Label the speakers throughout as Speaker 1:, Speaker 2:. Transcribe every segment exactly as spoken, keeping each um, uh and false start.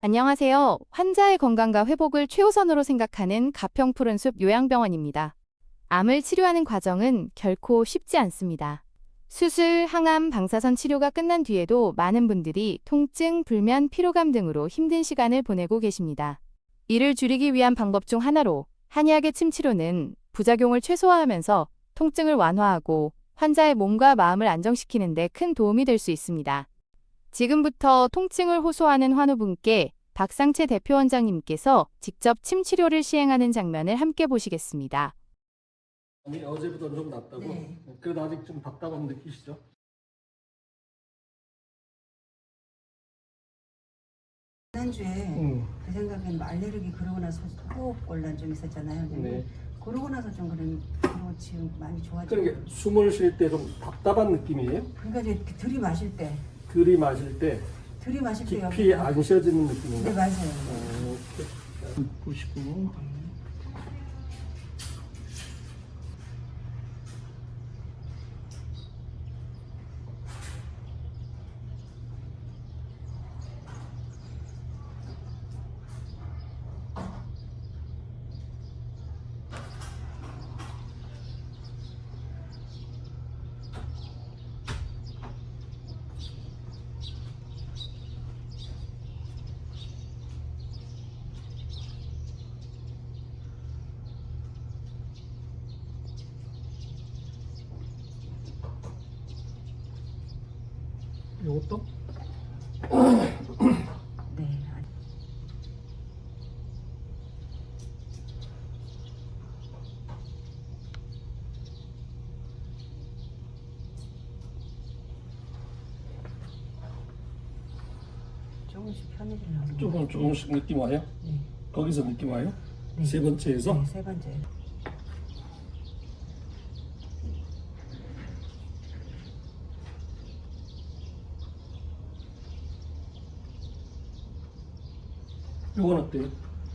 Speaker 1: 안녕하세요. 환자의 건강과 회복을 최우선으로 생각하는 가평푸른숲 요양병원입니다. 암을 치료하는 과정은 결코 쉽지 않습니다. 수술, 항암, 방사선 치료가 끝난 뒤에도 많은 분들이 통증, 불면, 피로감 등으로 힘든 시간을 보내고 계십니다. 이를 줄이기 위한 방법 중 하나로 한의학의 침치료는 부작용을 최소화하면서 통증을 완화하고 환자의 몸과 마음을 안정시키는 데 큰 도움이 될 수 있습니다. 지금부터 통증을 호소하는 환우분께 박상채 대표원장님께서 직접 침치료를 시행하는 장면을 함께 보시겠습니다.
Speaker 2: 아니, 어제보다 좀 낫다고?
Speaker 3: 네.
Speaker 2: 그래도 아직 좀 답답함 느끼시죠?
Speaker 3: 지난주에
Speaker 2: 응.
Speaker 3: 제 생각엔 알레르기 그러고 나서 호흡곤란 좀 있었잖아요.
Speaker 2: 네.
Speaker 3: 그러고 나서 좀 그런 그리고 지금 많이 좋아지고.
Speaker 2: 그러니까 숨을 쉴 때 좀 답답한 느낌이에요?
Speaker 3: 그러니까 이제 들이마실 때,
Speaker 2: 들이마실 때
Speaker 3: 들이마실 때
Speaker 2: 깊이
Speaker 3: 여기.
Speaker 2: 안 쉬어지는 느낌인가?
Speaker 3: 네, 맞아요.
Speaker 2: 어, 이렇게 보시고. 요것도?
Speaker 3: 네. 조금씩 편해지려고.
Speaker 2: 조금 조금씩 느낌 와요?
Speaker 3: 네.
Speaker 2: 거기서 느낌 와요?
Speaker 3: 네.
Speaker 2: 세 번째에서?
Speaker 3: 네, 세 번째.
Speaker 2: 요건 어때요?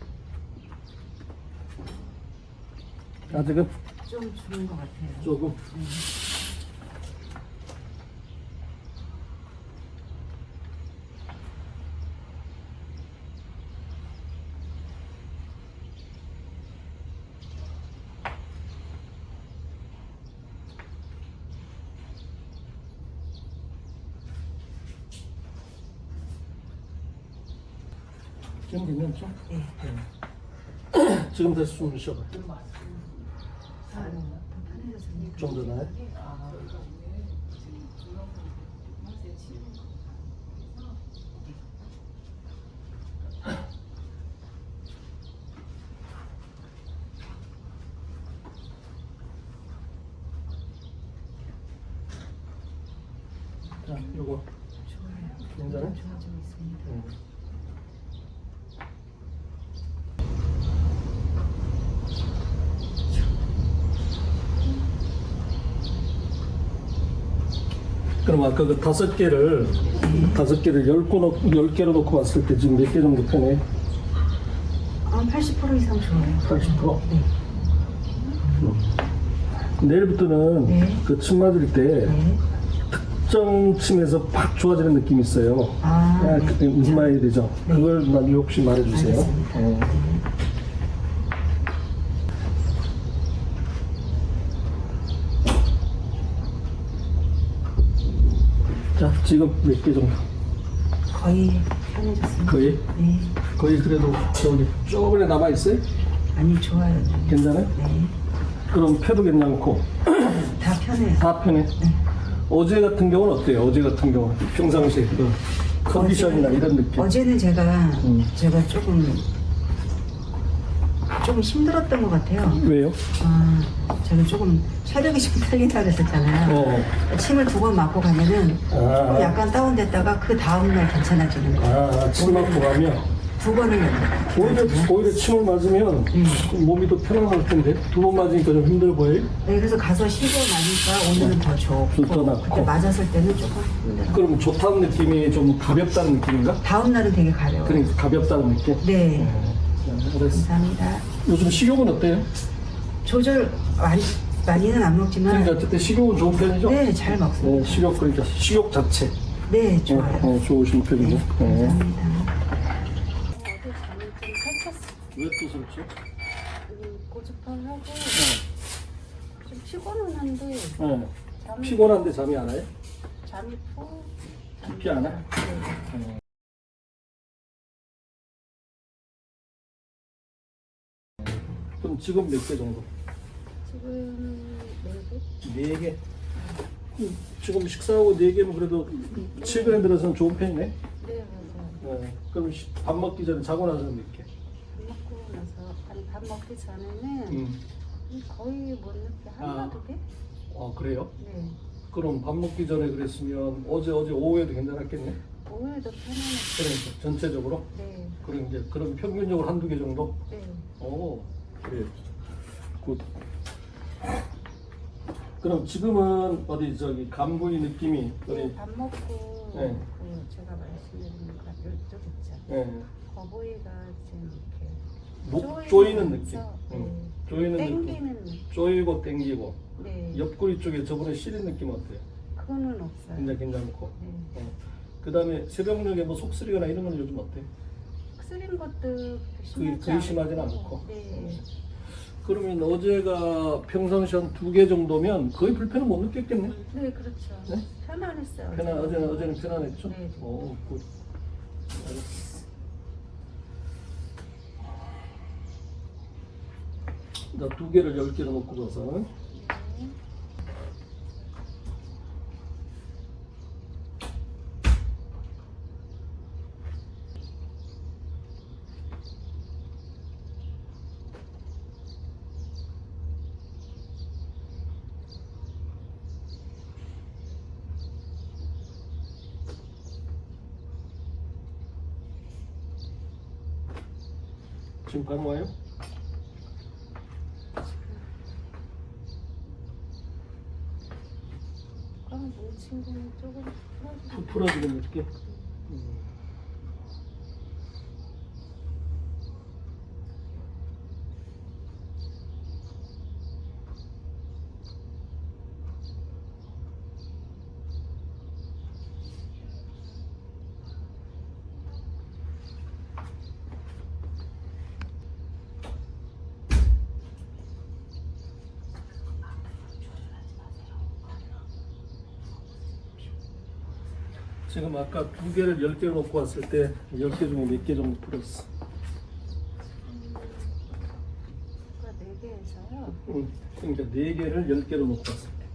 Speaker 2: 아직은?
Speaker 3: 좀 줄은 것 같아요.
Speaker 2: 조금?
Speaker 3: 네.
Speaker 2: 지금 괜찮죠?
Speaker 3: 네.
Speaker 2: 네. 지금 다시 숨을 쉬어봐요.
Speaker 3: 아, 더 편해졌습니다.
Speaker 2: 좀 더 나아요? 자, 요거
Speaker 3: 좋아요.
Speaker 2: 괜찮아요?
Speaker 3: 좋아지고 있습니다.
Speaker 2: 음. 그럼 아까 그 다섯 개를 다섯 개를 열 개 놓, 열 개로 놓고 봤을 때 지금 몇 개 정도 편해?
Speaker 3: 아, 팔십 퍼센트 이상 좋아요.
Speaker 2: 팔십 퍼센트?
Speaker 3: 네.
Speaker 2: 음. 내일부터는
Speaker 3: 네.
Speaker 2: 그 침 맞을 때
Speaker 3: 네.
Speaker 2: 특정 침에서 팍 좋아지는 느낌이 있어요.
Speaker 3: 아,
Speaker 2: 아,
Speaker 3: 네.
Speaker 2: 그때 무슨 말이 되죠?
Speaker 3: 네.
Speaker 2: 그걸 나중에 혹시 말해주세요.
Speaker 3: 알겠습니다.
Speaker 2: 어. 자, 지금 몇 개 정도?
Speaker 3: 거의 편해졌습니다.
Speaker 2: 거의?
Speaker 3: 네.
Speaker 2: 거의 그래도 저기 조금에 남아있어요?
Speaker 3: 아니, 좋아요.
Speaker 2: 괜찮아요?
Speaker 3: 네.
Speaker 2: 그럼 폐도 괜찮고
Speaker 3: 다 편해요.
Speaker 2: 다 편해? 어제 같은 경우는 어때요? 어제 같은 경우 평상시에 그 컨디션이나 이런 느낌?
Speaker 3: 어제는 제가,
Speaker 2: 음.
Speaker 3: 제가 조금, 조금 힘들었던 것 같아요.
Speaker 2: 왜요?
Speaker 3: 아, 제가 조금 체력이 좀 딸린다 그랬었잖아요.
Speaker 2: 어.
Speaker 3: 침을 두 번 맞고 가면은 조금
Speaker 2: 아,
Speaker 3: 약간 다운됐다가 그 다음날 괜찮아지는 거예요.
Speaker 2: 아, 침 맞고 가면
Speaker 3: 두 번을
Speaker 2: 오히려,
Speaker 3: 맞았어요.
Speaker 2: 오히려 침을 맞으면
Speaker 3: 음.
Speaker 2: 몸이 더 편안할 텐데 두 번 맞으니까 좀 힘들어 보여요?
Speaker 3: 네, 그래서 가서 쉬고 나니까 오늘은 더 좋고
Speaker 2: 더 낫고.
Speaker 3: 그때 맞았을 때는 조금 힘들어요.
Speaker 2: 그럼 좋다는 느낌이 좀 가볍다는 느낌인가?
Speaker 3: 다음 날은 되게 가려워요.
Speaker 2: 그러니까 가볍다는 느낌?
Speaker 3: 네,
Speaker 2: 자, 알았어.
Speaker 3: 감사합니다.
Speaker 2: 요즘 식욕은 어때요?
Speaker 3: 조절 많이, 많이는 안 먹지만
Speaker 2: 그러니까 어쨌든 식욕은 좋은 편이죠?
Speaker 3: 네, 잘 먹습니다.
Speaker 2: 네, 식욕 그러니까 식욕 자체
Speaker 3: 네,
Speaker 2: 어,
Speaker 3: 좋아요.
Speaker 2: 어, 좋으신 편이죠.
Speaker 3: 네,
Speaker 2: 네.
Speaker 3: 감사합니다.
Speaker 2: 왜 또 설치?
Speaker 3: 음, 고집하고
Speaker 2: 네.
Speaker 3: 좀 피곤은 한데
Speaker 2: 네.
Speaker 3: 잠이
Speaker 2: 피곤한데 잠이 안 와요?
Speaker 3: 잠이 푹
Speaker 2: 깊이 안 와?
Speaker 3: 네.
Speaker 2: 네. 그럼 지금 몇 개 정도?
Speaker 3: 지금 네 개?
Speaker 2: 네 개. 음, 지금 식사하고 네 개면 그래도 최근에 들어서는 좋은 편이네.
Speaker 3: 네 맞아요.
Speaker 2: 네. 그럼 시- 밥 먹기 전에 자고 나서는 몇 개?
Speaker 3: 밥 먹고 나서 아니 밥 먹기 전에는
Speaker 2: 음.
Speaker 3: 거의 못 늦게 하나
Speaker 2: 아.
Speaker 3: 두 개?
Speaker 2: 아 그래요?
Speaker 3: 네.
Speaker 2: 그럼 밥 먹기 전에 그랬으면 어제 어제 오후에도 괜찮았겠네.
Speaker 3: 오후에도 편안해.
Speaker 2: 그러니까 전체적으로.
Speaker 3: 네.
Speaker 2: 그럼 이제 그럼 평균적으로 한두 개 정도.
Speaker 3: 네.
Speaker 2: 오 그래. 굿. 그럼 지금은 어디 저기 간부의 느낌이
Speaker 3: 네,
Speaker 2: 어디?
Speaker 3: 밥 먹고
Speaker 2: 네.
Speaker 3: 그 제가 말씀드린 거 이쪽 있죠.
Speaker 2: 예.
Speaker 3: 거북이가 지금 이렇게
Speaker 2: 목 조이는 느낌.
Speaker 3: 쪼이면서,
Speaker 2: 응.
Speaker 3: 네.
Speaker 2: 조이는 느낌.
Speaker 3: 땡기는 느낌.
Speaker 2: 조이고 땡기고.
Speaker 3: 네.
Speaker 2: 옆구리 쪽에 저번에 시린 느낌 어때요?
Speaker 3: 그거는 없어요.
Speaker 2: 굉장히 괜찮고.
Speaker 3: 네.
Speaker 2: 어. 그 다음에 새벽녘에 뭐 속쓰리거나 이런 건 요즘 어때?
Speaker 3: 쓰린 것도 그렇게
Speaker 2: 그게
Speaker 3: 심하지
Speaker 2: 거의 심하진
Speaker 3: 않고.
Speaker 2: 않고.
Speaker 3: 네.
Speaker 2: 그러면 어제가 평상시 한 두 개 정도면 거의 불편은 못 느꼈겠네?
Speaker 3: 네, 그렇죠.
Speaker 2: 네?
Speaker 3: 편안했어요.
Speaker 2: 편안, 어제는, 어제는 편안했죠?
Speaker 3: 네.
Speaker 2: 오, 굿. 알았어. 나 두 개를 열 개로 놓고 가서.
Speaker 3: 네.
Speaker 2: 지금 감 와요?
Speaker 3: 꽉 뭉친 거는 조금 풀어주고.
Speaker 2: 푹 풀어지는 느낌? 음. 지금 아까 두 개를 열 개로 놓고 왔을 때 열 개 중에 몇 개 정도 풀었어?
Speaker 3: 그러니까 네 개에서요.
Speaker 2: 응. 그러니까 네 개를 열 개로 놓고 왔을 때.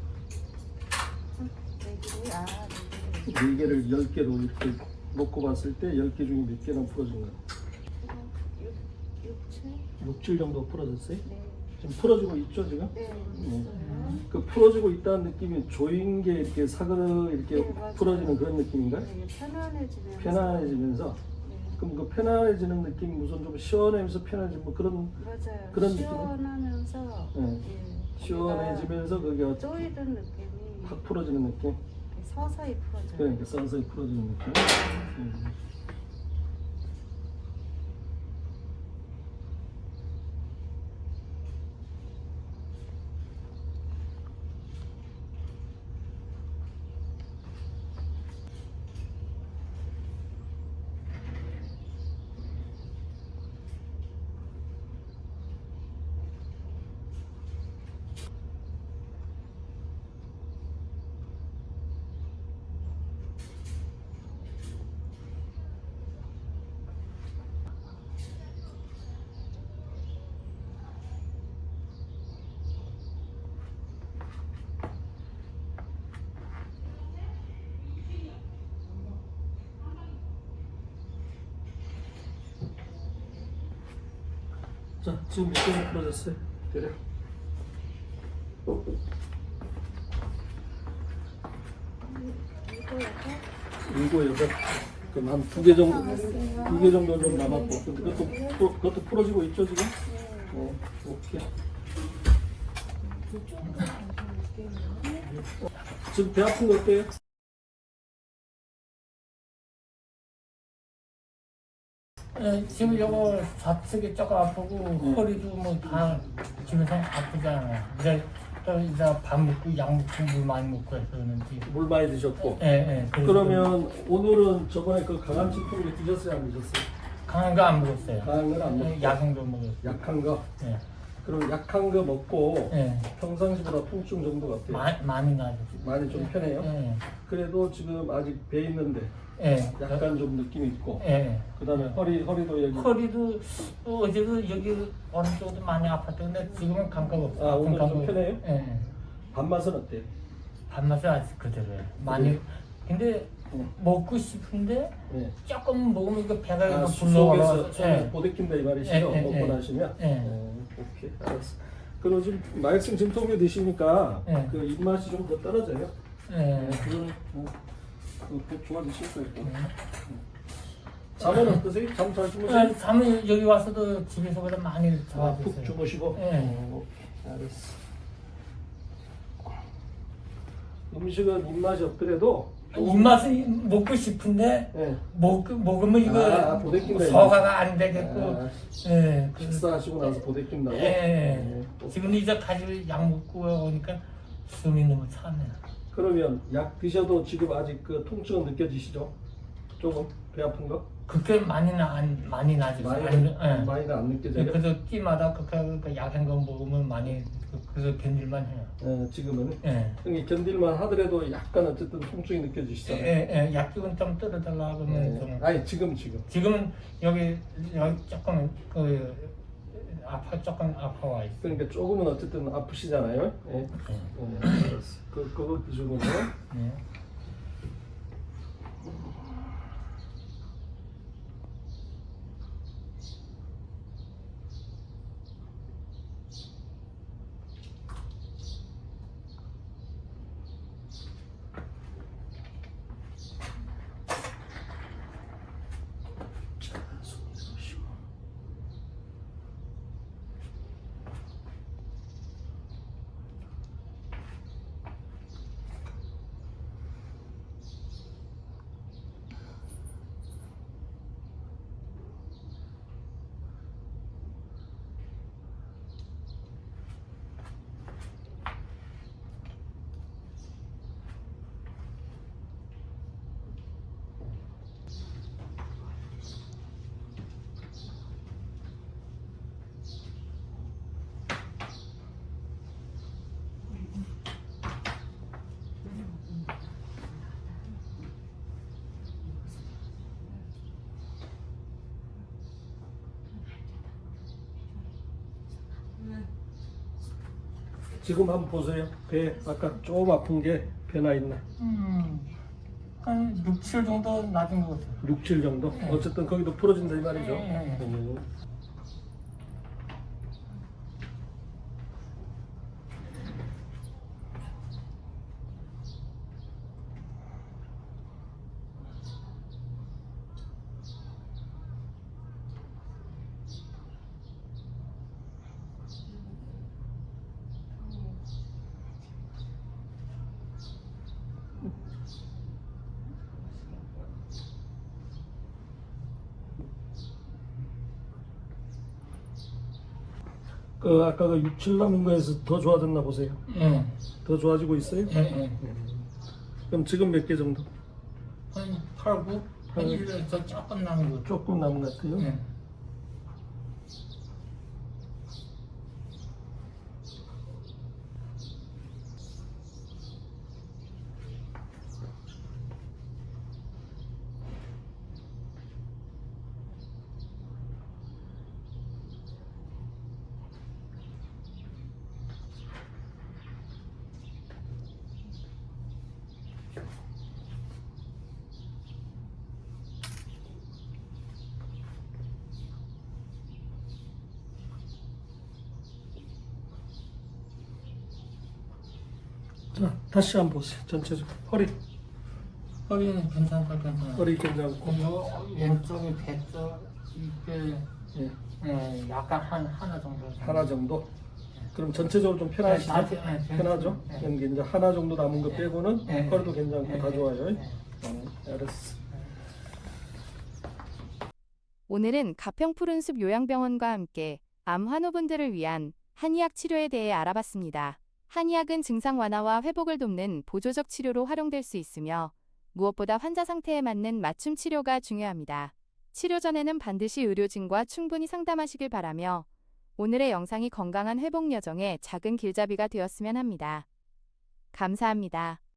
Speaker 3: 네 개, 아, 네 개.
Speaker 2: 네 개를 열 개로 이렇게 놓고 봤을 때 열 개 중에 몇 개나 풀어진 거야?
Speaker 3: 육, 육, 칠?
Speaker 2: 육, 칠 정도 풀어졌어요?
Speaker 3: 네.
Speaker 2: 지금 풀어지고 있죠 지금?
Speaker 3: 네,
Speaker 2: 네.
Speaker 3: 있어요.
Speaker 2: 그 풀어지고 있다는 느낌이 조인 게 이렇게 사그르 이렇게
Speaker 3: 네, 맞아요.
Speaker 2: 풀어지는 그런 느낌인가요?
Speaker 3: 네, 편안해지면서.
Speaker 2: 편안해지면서
Speaker 3: 네.
Speaker 2: 그럼 그 편안해지는 느낌이 무슨 좀 시원해지면서 편해지면 뭐 그런
Speaker 3: 맞아요.
Speaker 2: 그런 느낌?
Speaker 3: 시원하면서.
Speaker 2: 네.
Speaker 3: 예,
Speaker 2: 시원해지면서 그게
Speaker 3: 거기가 쪼이던 느낌이
Speaker 2: 확 풀어지는 느낌?
Speaker 3: 이렇게 서서히 풀어져요.
Speaker 2: 그러니까 서서히 풀어지는 느낌? 음. 자, 지금 몇 개나 풀어졌어요? 그래.
Speaker 3: 이거 약간
Speaker 2: 일곱, 여덟. 그럼 한 두 개 정도, 두 개 정도 좀 남았고. 근데 그것도, 풀- 그것도 풀어지고 있죠, 지금? 어, 오케이. 지금 배 아픈 거 어때요?
Speaker 4: 예, 지금 요거 좌측이 조금 아프고 허리도 뭐 다 집에서 아프잖아요. 이제 또 이제 밥 먹고 약 먹고 물 많이 먹고 해서 그런지.
Speaker 2: 물 많이 드셨고.
Speaker 4: 예, 예. 그래서
Speaker 2: 그러면 오늘은 저번에 그 강한 치통을 드셨어요, 안 드셨어요?
Speaker 4: 강한 거 안 먹었어요.
Speaker 2: 강한 건 안 먹고
Speaker 4: 약한 거 먹었어요.
Speaker 2: 약한 거.
Speaker 4: 예.
Speaker 2: 그럼 약한 거 먹고
Speaker 4: 예.
Speaker 2: 평상시보다 통증 정도가 어때요?
Speaker 4: 마, 많이 나죠.
Speaker 2: 많이 좀 편해요?
Speaker 4: 예.
Speaker 2: 그래도 지금 아직 배 있는데
Speaker 4: 예.
Speaker 2: 약간 좀 느낌이 있고
Speaker 4: 예.
Speaker 2: 그다음에 허리 허리도 여기
Speaker 4: 허리도 어, 어제도 여기 오른쪽도 많이 아팠는데 지금은 감각 없어요.
Speaker 2: 아, 오늘
Speaker 4: 아픈
Speaker 2: 좀
Speaker 4: 감각-
Speaker 2: 편해요?
Speaker 4: 예.
Speaker 2: 밥맛은 어때요?
Speaker 4: 밥맛은 아직 그대로예요. 많이 근데
Speaker 2: 응.
Speaker 4: 먹고 싶은데
Speaker 2: 예.
Speaker 4: 조금 먹으면 그 배가
Speaker 2: 아,
Speaker 4: 이거
Speaker 2: 속에서
Speaker 4: 불러올라서
Speaker 2: 속에서 보대낀다 이 말이시죠?
Speaker 4: 예, 예,
Speaker 2: 먹고
Speaker 4: 예.
Speaker 2: 나시면?
Speaker 4: 예.
Speaker 2: 어, 오케이 알았어. 그럼 지금 마약성 진통제 드시니까
Speaker 4: 예.
Speaker 2: 그 입맛이 좀 더 떨어져요?
Speaker 4: 예.
Speaker 2: 그건 어, 그 좋아지실 거예요.
Speaker 4: 음.
Speaker 2: 잠은 어떠세요? 잠 잘 주무세요?
Speaker 4: 아, 잠을 여기 와서도 집에서보다 많이
Speaker 2: 아,
Speaker 4: 좋아졌어요.
Speaker 2: 푹 주무시고?
Speaker 4: 예.
Speaker 2: 어, 알았어. 음식은 입맛이 없더라도
Speaker 4: 입맛은 먹고 싶은데
Speaker 2: 예.
Speaker 4: 먹, 먹으면 이거
Speaker 2: 아, 보대낀다,
Speaker 4: 소화가 안 되겠고
Speaker 2: 아,
Speaker 4: 예, 그,
Speaker 2: 식사하시고 나서 보대낀다고?
Speaker 4: 예,
Speaker 2: 예.
Speaker 4: 지금 이제 가지고 약 먹고 오니까 숨이 너무 차네요.
Speaker 2: 그러면 약 드셔도 지금 아직 그 통증은 느껴지시죠? 조금 배 아픈 거?
Speaker 4: 그렇게 많이는 안 많이 나지
Speaker 2: 많이
Speaker 4: 안- 예.
Speaker 2: 많이는 안 느껴져요?
Speaker 4: 그래서 끼마다 그렇게 그 약한 거 먹으면 많이 그- 그래서 견딜만 해요.
Speaker 2: 예, 지금은
Speaker 4: 예.
Speaker 2: 형이 견딜만 하더라도 약간 어쨌든 통증이
Speaker 4: 예,
Speaker 2: 느껴지시잖아요.
Speaker 4: 예, 예. 약기운 좀 떨어달라 그러면 좀
Speaker 2: 예. 아니 지금 지금.
Speaker 4: 지금은 여기 여기 조금 그 아파 조금 아파와 있어.
Speaker 2: 그러니까 조금은 어쨌든 아프시잖아요. 예.
Speaker 4: 예.
Speaker 2: 예, 알았어. 그 그거 기준으로.
Speaker 4: 예.
Speaker 2: 자, 손 내려오시고. 지금 한번 보세요. 배 아까 조금 아픈 게 배나 있나?
Speaker 4: 음, 한 육, 칠 정도 낮은 것 같아요.
Speaker 2: 육, 칠 정도? 어쨌든 거기도 풀어진다 이 말이죠.
Speaker 4: 예, 예.
Speaker 2: 음. 그 아까 그 육, 칠 남은 거에서 더 좋아졌나 보세요.
Speaker 4: 예,
Speaker 2: 더 좋아지고 있어요?
Speaker 4: 예, 예.
Speaker 2: 그럼 지금 몇 개 정도?
Speaker 4: 한 팔, 구? 한 일, 저 조금 남은 거.
Speaker 2: 조금 남은 것 같아요.
Speaker 4: 예.
Speaker 2: 자, 다시 한번 보세요. 전체적으로 허리,
Speaker 4: 허리는 괜찮다, 괜찮아.
Speaker 2: 허리 괜찮고.
Speaker 4: 요 왼쪽에 배쪽 이게
Speaker 2: 예,
Speaker 4: 예, 약간 한 하나 정도.
Speaker 2: 하나 정도. 그럼 전체적으로 좀 편하시죠?
Speaker 4: 네, 다, 네,
Speaker 2: 편하죠?
Speaker 4: 네.
Speaker 2: 여기 이제 하나 정도 남은 거 빼고는
Speaker 4: 네.
Speaker 2: 허리도 괜찮고
Speaker 4: 네.
Speaker 2: 다 좋아요.
Speaker 4: 네.
Speaker 2: 어, 알았어.
Speaker 1: 오늘은 가평 푸른숲 요양병원과 함께 암 환우분들을 위한 한의학 치료에 대해 알아봤습니다. 한의학은 증상 완화와 회복을 돕는 보조적 치료로 활용될 수 있으며 무엇보다 환자 상태에 맞는 맞춤 치료가 중요합니다. 치료 전에는 반드시 의료진과 충분히 상담하시길 바라며 오늘의 영상이 건강한 회복 여정에 작은 길잡이가 되었으면 합니다. 감사합니다.